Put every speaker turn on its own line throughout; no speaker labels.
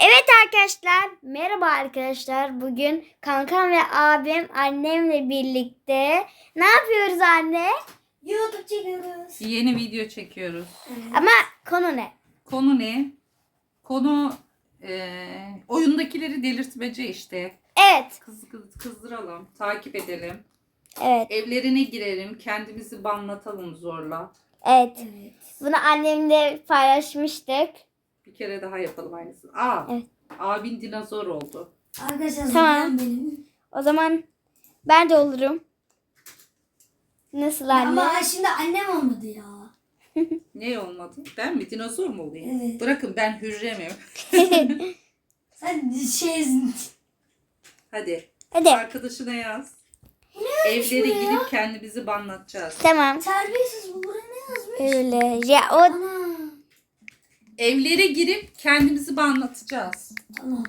Evet arkadaşlar, merhaba arkadaşlar. Bugün kankam ve abim annemle birlikte ne yapıyoruz anne?
YouTube çekiyoruz.
Yeni video çekiyoruz.
Ama konu ne?
Konu ne? Konu oyundakileri delirtmece işte.
Evet,
Kızdıralım, takip edelim.
evet,
Evlerine girelim, kendimizi banlatalım zorla.
evet.
Evet.
Bunu annemle paylaşmıştık.
Bir kere daha yapalım aynısını. Aa,
Evet.
abin dinozor oldu.
Arkadaşlar
Tamam.
zaten benim.
O zaman ben de olurum. Nasıl anne?
Ama şimdi annem olmadı ya.
Ne olmadı? Ben mi? Dinozor mu olayım?
Evet.
Bırakın ben hürremim.
Sen
Hadi.
Hadi,
Arkadaşına yaz. Evlere
bu ya?
gidip kendimizi banlatacağız.
tamam.
terbiyesiz bu buraya ne yazmış?
Öyle. Ya o
Ana.
Evlere girip kendimizi banlatacağız.
Tamam.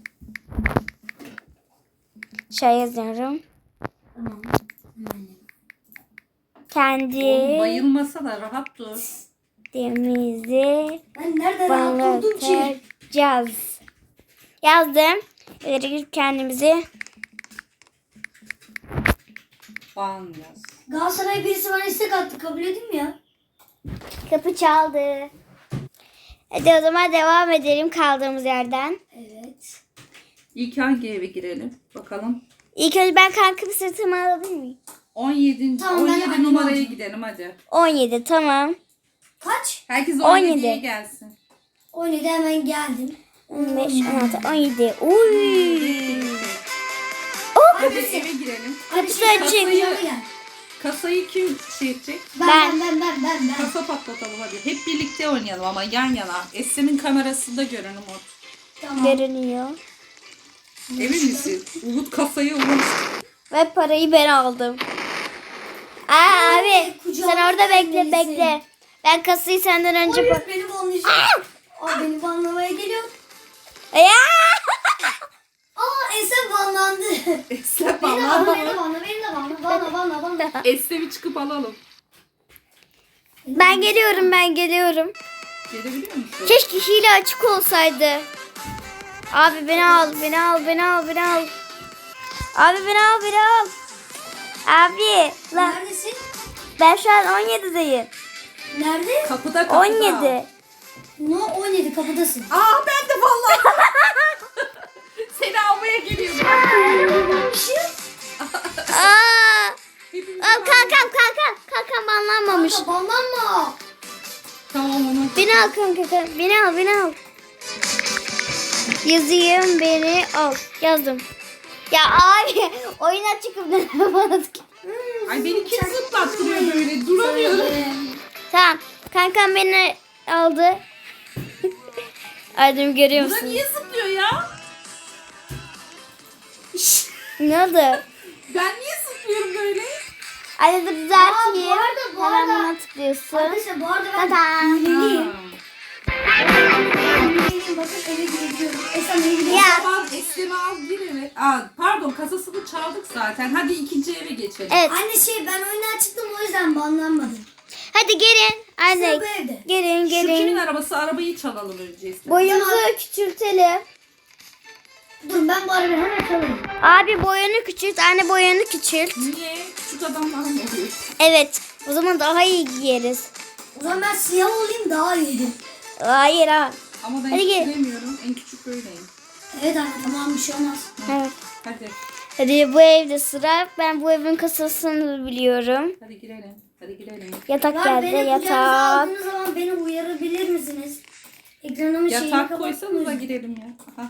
şey yazıyorum.
Tamam. Hemen.
Kendi
Oğlum bayılmasa da rahat dur.
demizi
Ben nerede rahat durdum ki?
banlatacağız. Yazdım. İleri girip kendimizi
Ban yaz.
Galatasaray birisi bana istek attı. Kabul edeyim mi ya?
kapı çaldı. Hadi o zaman devam edelim kaldığımız yerden.
Evet.
İlk hangi eve girelim? Bakalım.
İlk önce ben kankamı sırtıma alabilir miyim?
17.
Tamam, ben
17
annem
numaraya
alacağım.
gidelim hadi.
17 tamam.
Kaç?
Herkes
17.
17'ye gelsin.
17 hemen geldim.
15, 16, 17. Uy.
Hadi eve girelim.
Kapısı
Hadi
açık.
şimdi yanıma gel.
Kasayı kim şey edecek?
Ben.
Kasa patlatalım hadi. Hep birlikte oynayalım ama yan yana. Esra'nın kamerasında görünüm o.
Tamam.
Görünüyor.
Emin misin? Umut kasayı Umut.
Ve parayı ben aldım. Aa abi
kucağıma
sen orada bekle
gelmelisin.
bekle. Ben kasayı senden önce
Hayır beni banlayacak. Aa beni banlamaya geliyor.
Ya!
Aa Esen banlandı.
Esra
Beni
falan.
banla, beni de banla.
Esra'yı çıkıp alalım.
Ben geliyorum.
Gelebiliyor musun?
Keşke hile açık olsaydı. Abi beni al. Abi beni al. Abi lan
Neredesin?
ben şu an 17'deyim.
Nerede?
Kapıda kapıda.
17.
No 17 kapıdasın.
Aa ben de vallahi. Seni almaya geliyorum.
Aa! Al kankam banlanmamış.
Kanka banlanma.
Tamam onu.
Beni al kanka. Beni al. Yazayım beni al. Yazdım. Ya abi oyuna çıkıp ne yapamadık.
Ay beni kim zıplattırıyor böyle? Duramıyorum.
Tamam. Kankam beni aldı. Aydın görüyor
Bu da
musun?
niye zıplıyor ya?
Ne oldu?
Ben niye zıplıyorum böyle?
Hadi dur düzelteyim.
Aa, bu arada-
Hemen buna tıklıyorsun.
Arkadaşlar bu arada ben
Tadam.
hileliyim.
Ha.
Hileliyim bakın eve girebiliyorum. Esen eve girebiliyorum.
Ya.
Tamam Esra'mı al gir eve. Aa, pardon kasasını çaldık zaten. Hadi ikinci eve geçelim.
Evet.
Anne ben oyundan çıktım o yüzden banlanmadım.
Hadi gelin. Hadi.
Sıra bu evde.
Gelin
Şu kimin
gelin.
arabası? Arabayı çalalım önce Esra.
Boyumuzu küçültelim.
Dur ben bu arabayı hemen çalayım.
Abi boyunu küçült. Anne boyunu küçült.
Niye? Küçük adamlar mı oluyor?
Evet. O zaman daha iyi giyeriz.
O zaman ben siyah olayım daha iyiydi.
Hayır ha.
Ama ben
Hadi
hiç
gel.
bilemiyorum. En küçük böyleyim.
Evet anne tamam bir şey olmaz.
Evet.
Hadi.
Hadi bu evde sıra. Ben bu evin kasasını biliyorum.
Hadi girelim. Hadi girelim.
Yatak
Ya
geldi.
beni kucağınıza
Yatak.
aldığınız zaman beni uyarabilir misiniz? Ekranımın şeyini
Yatak koysanız da
kapatmayın.
girelim ya. Aha.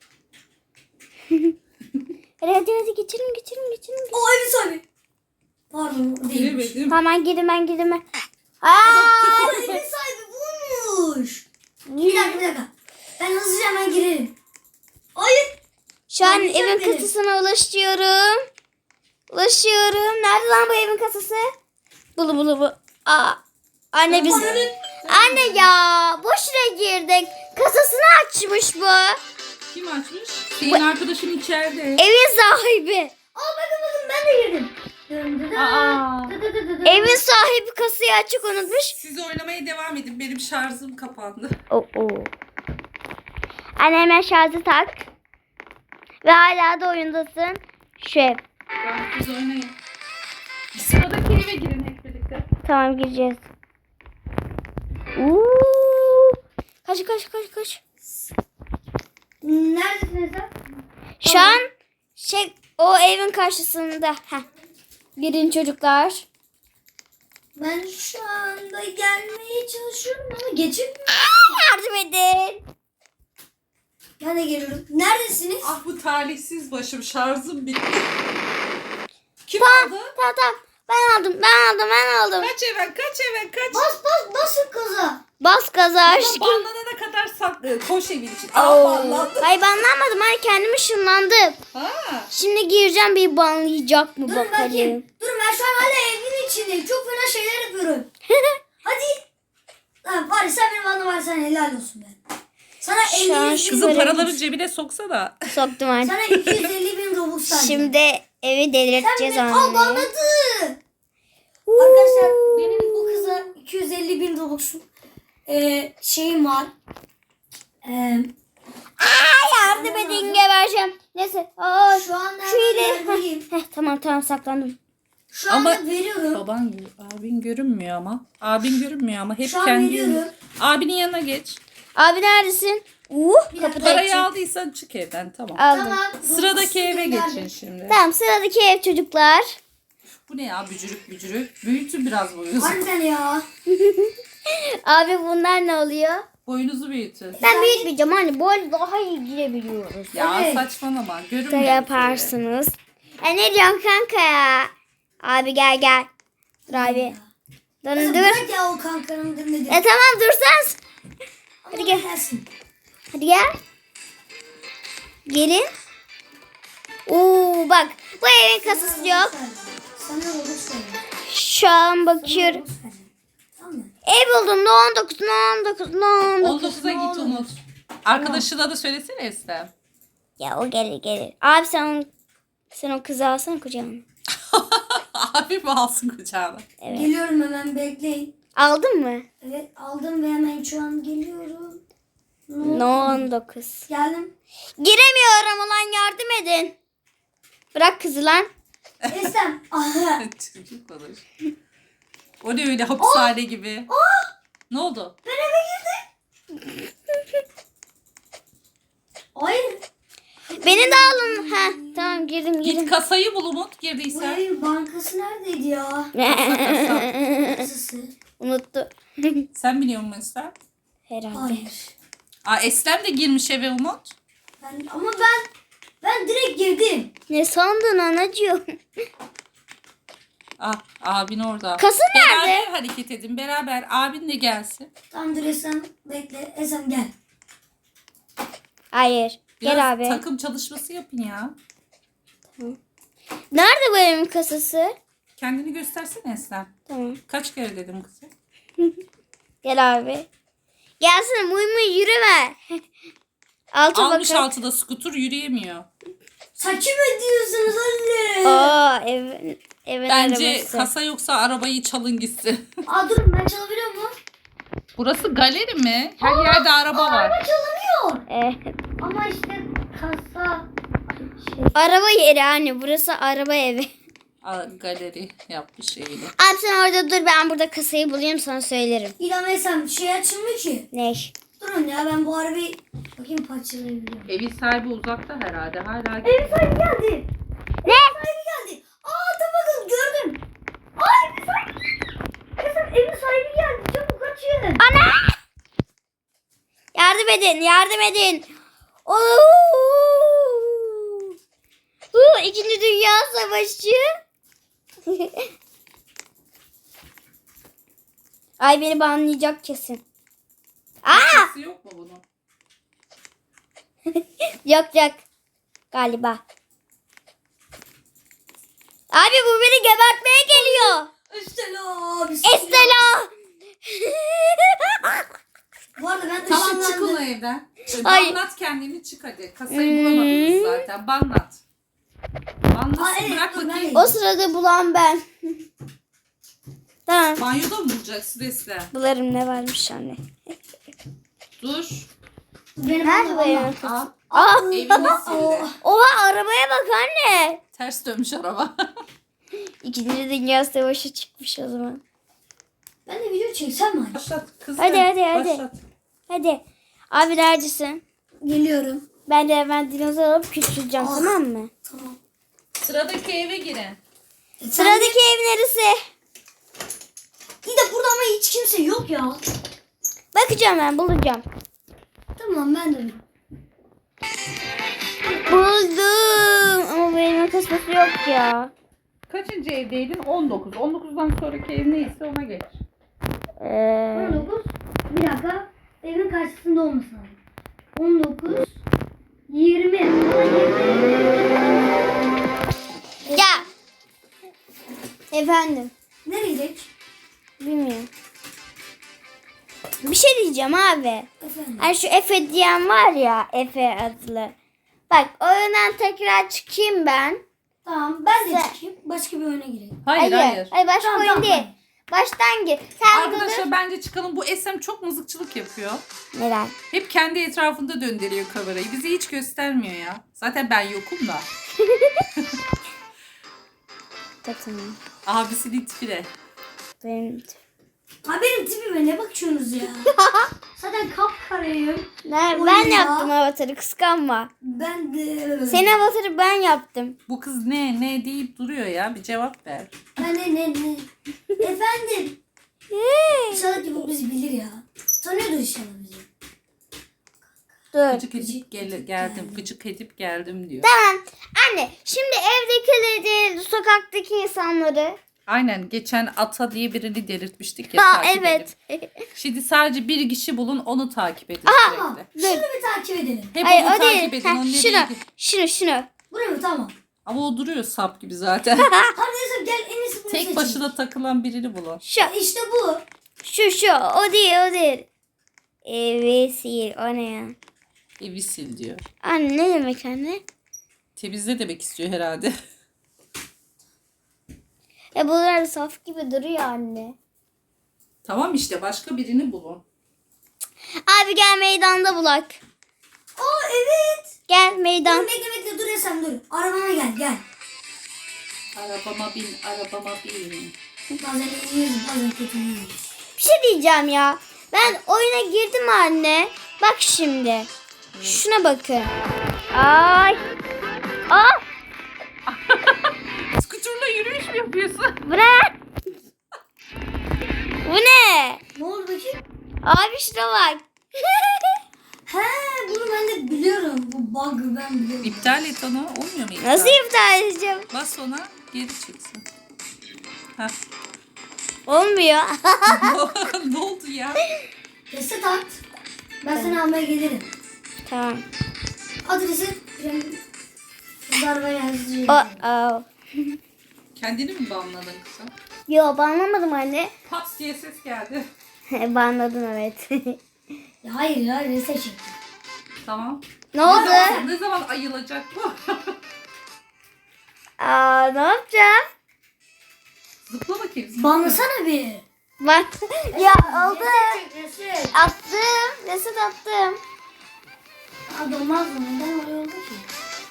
Hadi geçelim.
O evin sahibi. Pardon o değilmiş.
Giremedim.
Hemen gidin ben gidin ben.
Aa,
Aa!
evin sahibi bulmuş. Bir dakika. Ben hızlıca hemen girelim. Hayır.
Şu an
Arayacak
evin
beni.
kasasına ulaşıyorum. Nerede lan bu evin kasası? Bulu. Aa. Anne biz... Anne ya boşuna girdik. Kasasını açmış bu.
Kim açmış? Senin arkadaşın içeride.
Evin sahibi.
Aa bakın ben de girdim.
Aa.
Evin sahibi kasayı açık unutmuş.
Siz oynamaya devam edin. Benim şarjım kapandı.
Oo. Anne hemen şarjı tak. Ve hala da oyundasın. Şef.
Tamam, siz oynayın. Sıradaki eve girin hep birlikte.
Tamam gireceğiz. Kaç.
Neredesiniz lan?
Şu an o evin karşısında. Heh. Girin çocuklar.
Ben şu anda gelmeye çalışıyorum ama geçemiyorum.
Yardım edin.
Ben de geliyorum. Neredesiniz?
Ah bu talihsiz başım, şarjım bitti. Kim
Tamam.
aldı?
Tamam. Ben aldım.
Kaç eve kaç.
Basın kaza.
Bas gaza
Ama
aşkım.
banlanana kadar koş evin için.
Oo.
Aa banlandı.
Hayır banlanmadım. Hayır kendim ışınlandım.
Ha.
Şimdi gireceğim, bir banlayacak mı
Durun
bakalım.
bakayım. Durun ben şu an hala evin içindeyim. Çok fena şeyler yapıyorum. Hadi. Lan var ya sen benim anlam var sen helal olsun be. Sana
Şu an
50
şu
Kızım
Böyle
paraları cebine soksana.
Soktum anne.
Sana 250 bin Robux verdim.
Şimdi evi delirteceğiz
Sen beni
anne.
banladı. Arkadaşlar benim bu kıza 250 bin Robux'um şeyim var.
Yardım edin, gebereceğim. Neyse.
Şu anda
Şu
hemen
ile.
yerdeyim.
Tamam saklandım.
Şu anda
Ama-
veriyorum.
Abin görünmüyor ama. Abin görünmüyor ama hep
Şu an
kendi.
veriyorum.
Abinin yanına geç.
Abi neredesin?
Bir
Kapıda
dakika.
Parayı
açık.
aldıysan çık evden tamam.
Aldım.
Tamam.
Sıradaki eve
Gönderdim.
geçin şimdi.
Tamam sıradaki ev çocuklar.
Bu ne ya bücürük. Büyütün biraz boyunuzu.
Harbiden ya.
Abi bunlar ne oluyor?
Boyunuzu büyütün.
Ben büyütmeyeceğim anne. Bu arada daha iyi girebiliyoruz.
Ya
Evet.
saçmalama. Görünmüyor.
Da
bir kere.
yaparsınız. Ne diyorsun kanka ya? Abi gel. Dur abi.
Kızım
Dur.
bırak ya o kankanın demedi.
Tamam dursan.
Hadi
gel.
Gelsin.
Hadi gel. Gelin. Bak bu evin kasası yok.
Sana Robux verin.
Şu an bakıyorum.
Robux verin. Tamam mı?
Ev buldum. Ne 19.
19'a git Umut. Arkadaşına da söylesene Eslem.
Ya o gelir. Abi sen o kızı alsana kucağına.
Abi mi alsın kucağına?
Evet.
Geliyorum hemen bekleyin.
Aldın mı?
Evet aldım ve hemen şu an geliyorum.
No 19.
Geldim.
Giremiyorum ulan, yardım edin. Bırak kızı lan.
Esem. Aha.
Çocuk olur. O ne öyle hapishane gibi. Ne oldu?
Ben eve girdim. Hayır.
Beni de alın. Tamam girdim.
Git kasayı bul Umut
Bu
girdiysen.
evin bankası neredeydi ya? Kasası.
Unuttu.
Sen biliyor musun Eslem?
Herhalde.
Hayır.
Eslem de girmiş eve Umut.
Ama ben direkt girdim.
Ne sandın anacığım?
Abin orada.
Kasa nerede?
Beraber hareket edin. Beraber abin de gelsin.
Tamam dur Esem bekle. Esem gel.
Hayır.
Biraz
Gel abi.
takım çalışması yapın ya.
Nerede bu evin kasası?
Kendini göstersene Eslem.
Tamam.
Kaç kere dedim kızım.
Gel abi. Gelsene muy yürüme. Altı
Almış
bakalım.
altıda skuter yürüyemiyor.
Saçım ediyorsunuz anne.
Evin
Bence
arabası.
kasa yoksa arabayı çalın gitsin.
Durun ben çalabiliyor muyum?
Burası galeri mi? Her yerde araba var.
Araba çalınıyor.
Evet.
Ama işte kasa.
Araba yeri anne. Burası araba evi.
Galeri yapmış şeyini.
Abi sen orada dur, ben burada kasayı bulayım sana söylerim.
İlham Esem şey açılmıyor ki.
Ne?
Durun ya ben bu arabayı bakayım parçalayabiliyorum.
Evin sahibi uzakta herhalde. Hala
Evin sahibi geldi.
Ne?
Sahibi geldi. Dur bakın gördüm. Evin sahibi geldi. Esem evin sahibi geldi. Çabuk kaçın.
Ana! Yardım edin. İkinci Dünya Savaşı. Ay beni banlayacak kesin.
Kasası yok mu bunun?
Yok galiba. Abi bu beni gebertmeye geliyor.
Estela.
Estela.
Bu arada ben
Tamam çık
ışınlandım.
o evden.
Ay.
Banlat kendini çık hadi. Kasayı bulamadınız zaten. Banlat. Banlatsın
evet,
bırak
dur,
bakayım.
O sırada bulan ben. Tamam.
Banyoda mı bulacaksın Eslem?
Bularım ne varmış anne.
Dur.
Benim
Nerede
valla
benim?
valla.
Al.
Aa,
Evini sildi.
oha arabaya bak anne.
Ters dönmüş araba.
İkinci Dünya Savaşı çıkmış o zaman.
Ben de video çeksem mi?
Başlat kızım.
Hadi.
Başlat.
Hadi. Abi neredesin?
Geliyorum.
Ben de hemen dinozor alıp küçüleceğim
Ah.
tamam mı?
Tamam.
Sıradaki eve girin.
Sıradaki ev neresi?
İyi de burada ama hiç kimse yok ya.
Bakacağım ben bulacağım.
Tamam ben de.
Buldum. Ama benim kasması yok ya.
Kaçıncı evdeydin? 19. 19'dan sonraki ev neyse ona geç.
19. Bir dakika. Evin karşısında olması lazım. 19. 20. Ama 20.
Ya. Efendim.
Nereye gidelim?
Bilmiyorum. Bir şey diyeceğim abi.
Efendim.
Hani şu Efe diyen var ya, Efe adlı. Bak oyundan tekrar çıkayım ben.
Tamam ben de
Sen-
çıkayım. Başka bir oyuna gireyim.
Hayır.
Hayır başka
Tamam,
oyun
tamam.
değil. Baştan gir. Sen
Arkadaşlar
dur.
bence çıkalım. Bu SM çok mızıkçılık yapıyor.
Neden?
Hep kendi etrafında döndürüyor kamerayı. Bizi hiç göstermiyor ya. Zaten ben yokum da.
Tamam.
Abisinin tipi de.
Benim...
Ha benim tipime ne bakıyorsunuz ya? Zaten kapkarayım.
Ben
Oyun ya.
yaptım avatarı kıskanma.
Ben de.
Senin avatarı ben yaptım.
Bu kız ne deyip duruyor ya. Bir cevap ver.
Ben ne? Efendim. İnşallah ki bu bizi bilir ya. Tanıyordur inşallah bizi.
Dur.
Gıcık edip geldim. Gıcık edip geldim diyor.
Tamam. Anne şimdi evdekileri değil sokaktaki insanları.
Aynen. Geçen Ata diye birini delirtmiştik ya.
Ha
takip
evet.
edip. Şimdi sadece bir kişi bulun. Onu takip edin
Tamam.
sürekli.
Şunu bir takip edelim.
Hep
Hayır
onu
o değil.
takip edin.
Heh,
Onu nereye
şunu.
gidin.
Şunu.
Buraya mı? Tamam.
Ama o duruyor sap gibi zaten.
Hadi neyse gel en iyisi bunu
Tek
seçelim.
başına takılan birini bulun.
Şu.
İşte bu.
Şu. O değil. Vesil. O ne ya?
Evi sil diyor.
Anne ne demek anne?
Temizle demek istiyor herhalde.
Bunlar saf gibi duruyor anne.
Tamam işte başka birini bulun.
Abi gel meydanda bulak.
Aa evet.
Gel
Dur
meydan.
bekle dur Esen dur. Arabama gel.
Arabama bin.
Bazen iyiyiz bazen kötüyüz.
Bir şey diyeceğim ya. Ben oyuna girdim anne. Bak şimdi. Şuna bakın. Ay. Aa,
Skuturla yürüyüş mü yapıyorsun?
bırak. Bu ne?
Ne oldu bakayım?
Abi şuna bak.
He bunu ben de biliyorum. Bu bug'ı ben biliyorum.
İptal et onu. Olmuyor mu iptal?
Nasıl iptal edeceğim?
Bas ona geri çıksın. Heh.
Olmuyor.
Ne oldu ya?
Reset at. Ben seni almaya gelirim.
Tamam.
Adresi Zarba yazıyor.
Oh.
Kendini mi banladın kızım?
Yo banlamadım anne.
Pat diye ses geldi.
Banladım evet.
Ya hayır ya reset çektim.
Tamam.
Ne oldu?
Ne zaman ayılacak bu?
Ne yapacağım?
Zıpla bakayım. Zıpla.
Banlasana bir.
Bak. Ya oldu.
Reset çek reset.
Attım. Reset attım.
Aa dolmaz mı? Neden öyle oldu ki?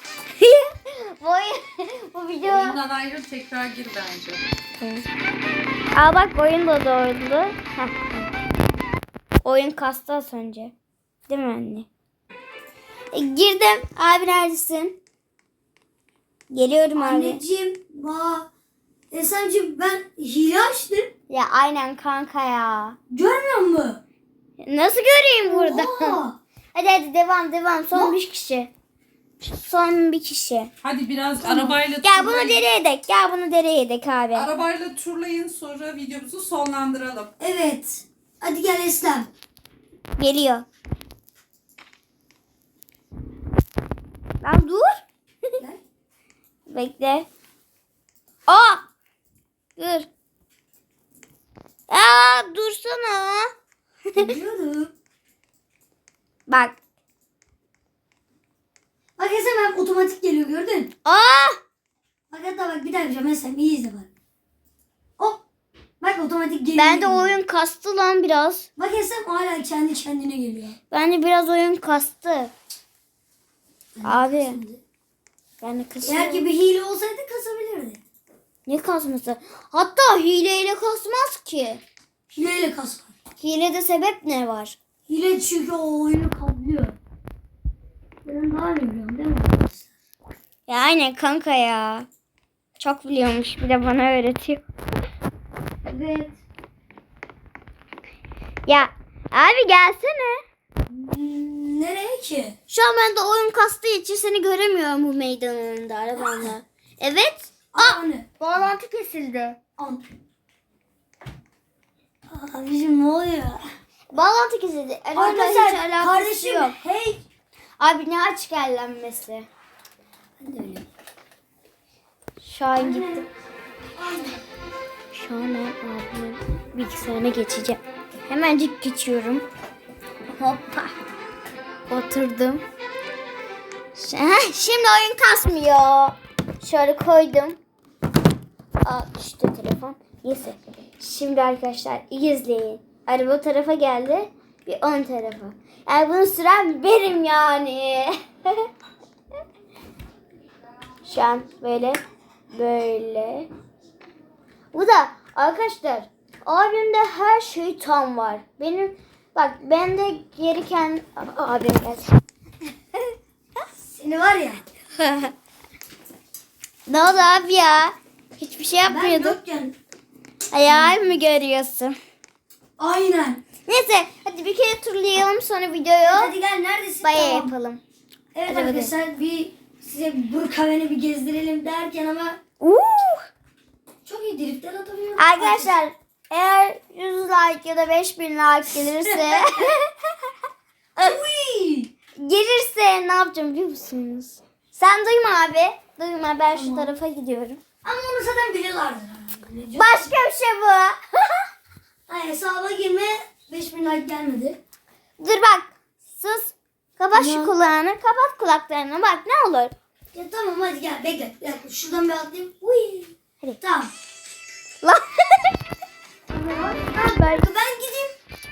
bu video.
Oyundan ayrıl tekrar gir bence.
Bak oyun da doğru. Oyun kastı az önce. Değil mi anne? Girdim. Abi neredesin? Geliyorum abi.
Anneciğim, Esemciğim ben hile açtım.
Ya aynen kanka ya.
Görmüyor musun?
Nasıl göreyim burada?
Oha.
hadi devam. Son bir kişi. Son bir kişi.
Hadi biraz arabayla
Gel bunu
turlayın.
dereye edek abi.
Arabayla turlayın sonra videomuzu sonlandıralım.
Evet. Hadi gel Eslem.
Geliyor. Lan dur.
Gel.
Bekle. Dur. Dursana.
Biliyorum.
Bak.
Bak Esem hep otomatik geliyor gördün.
Aa!
Bak hatta bak bir daha yapacağım Esem iyi izle bak. Hop. Bak bak otomatik geliyor.
Ben de oyun kastı lan biraz.
Bak Esem hala kendi kendine geliyor.
Bende biraz oyun kastı. Abi.
Şimdi.
Ben de
Eğer
kasıyorum.
ki bir hile olsaydı kasabilirdi.
Ne kasması? Hatta hileyle kasmaz ki.
Hileyle kasar.
Hilede sebep ne var?
Hile çünkü o oyunu kaplıyor. Ben daha iyi biliyorum değil mi arkadaşlar?
Ya aynen kanka ya. Çok biliyormuş bir de bana öğretiyor.
Evet.
Ya abi gelsene.
Nereye ki?
Şu an ben de oyun kastığı için seni göremiyorum bu meydanında arabamla. Evet.
Anne.
Bağlantı kesildi.
An. Abicim ne oluyor?
Bağlantı kesildi. Arabamla hiç
Arkadaşlar
alakası
kardeşim
yok.
hey.
Abi ne açık ellenmesi.
Ben de öyle.
Şu an gittim. Şu an ben abimin bilgisayarına geçeceğim. Hemencik geçiyorum. Hoppa. Oturdum. Şimdi oyun kasmıyor. Şöyle koydum. Aa düştü telefon. Neyse. Şimdi arkadaşlar iyi izleyin. Araba tarafa geldi. Bir ön tarafa. Yani bunu süren benim yani. Şu an böyle. Böyle. Bu da arkadaşlar abimde her şey tam var. Benim bak bende gereken abim geldi.
Seni var ya.
Ne oldu abi ya? Hiçbir şey
Ben
yapmıyordum.
yokken.
Hayal mi görüyorsun?
Aynen.
Neyse hadi bir kere turlayalım sonra videoyu
Hadi gel neredesin?
baya
Tamam.
yapalım.
Evet
Hadi
arkadaşlar bir size Burkaven'i bir gezdirelim derken ama çok iyi driftler atabiliyorum.
Arkadaşlar eğer 100 like ya da 5000 like gelirse
Uy!
gelirse ne yapacağım biliyor musunuz? Sen duyma abi. Duyma ben şu
Tamam.
tarafa gidiyorum.
Ama onu zaten biliyorlardır.
Başka bir şey bu.
Hayır hesaba girme 5000 like gelmedi.
Dur bak. Sus. Kapat şu
Tamam.
kulağını. Kapat kulaklarını. Bak ne olur.
Ya tamam hadi gel bekle. Bir dakika, şuradan bir atlayayım. Uy.
Hadi.
Tamam.
Lan.
Ben gideyim.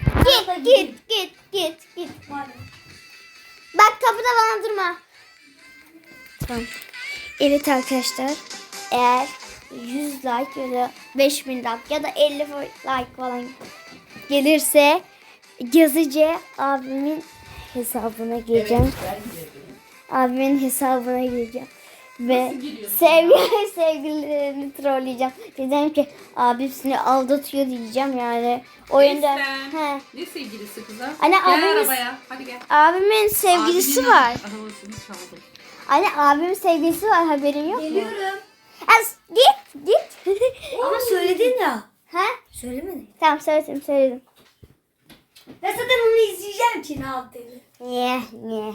Git. Bak kapıda bana durma. Tamam. Evet arkadaşlar. Eğer 100 like ya da 5000 like ya da 50 like falan gelirse yazıcı abimin hesabına gireceğim. Abimin hesabına gireceğim. Ve sevgililerini trolleyeceğim. Diyeceğim ki abim seni aldatıyor diyeceğim yani. Oyunda.
Eslem.
He.
Ne sevgilisi kızım?
Anne,
gel
abimiz-
arabaya. Hadi gel.
Abimin sevgilisi
Abinin
var.
Arabasını çaldım.
Anne abimin sevgilisi var haberin yok mu?
Geliyorum.
Git.
Ama söyledin ya.
Ha?
Söylemedin.
Tamam söyledim.
Ben zaten onu izleyeceğim ki ne yaptığını.
Niye?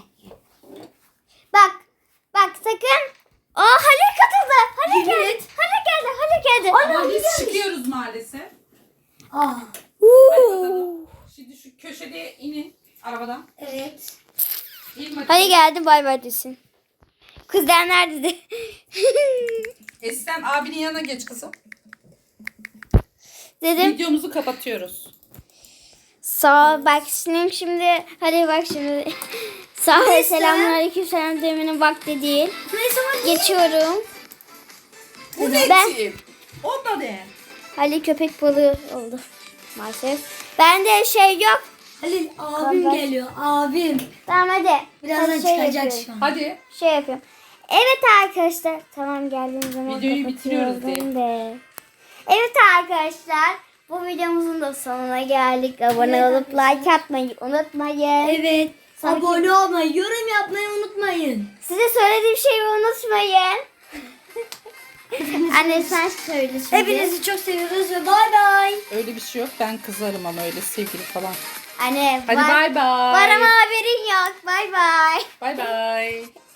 Bak sakın. Aa Halil katıldı. Halil
Yemin
geldi.
et.
Halil geldi.
Ama biz çıkıyoruz maalesef.
Aa.
Hadi bakalım. Şimdi şu köşede inin arabadan.
Evet.
İn bakayım.
Hadi geldi bay bay desin. Kızlar nerede de?
Eslem abinin yanına geç kızım.
Dedim.
Videomuzu kapatıyoruz.
Sağ ol. Bak şimdi. Hadi bak şimdi. Sağ ol.
Neyse.
Selamünaleyküm. Selam demenin vakti değil.
Neyse hadi.
Geçiyorum.
Bu ne
Ben-
tip? O da ne?
Halil köpek balığı oldu. Maalesef. Bende şey yok.
Halil abim
Kapat.
geliyor. Abim.
Tamam hadi.
Birazdan
Hadi şey
çıkacak
yapıyorum.
şu an.
Hadi.
Şey yapıyorum. Evet arkadaşlar. Tamam geldiğim zaman
Videoyu bitiriyoruz
kapatıyorum de. Evet arkadaşlar. Bu videomuzun da sonuna geldik. Abone
Evet
olup like atmayı unutmayın.
Evet.
Sanki-
Abone olmayı, yorum yapmayı unutmayın.
Size söylediğim şeyi unutmayın. Anne sen söyle şimdi.
Hepinizi çok seviyoruz ve bay bay.
Öyle bir şey yok. Ben kızarım ama öyle sevgili falan.
Anne
Hadi
var,
bay bay.
var ama haberin yok. Bay bay.
Bay bay.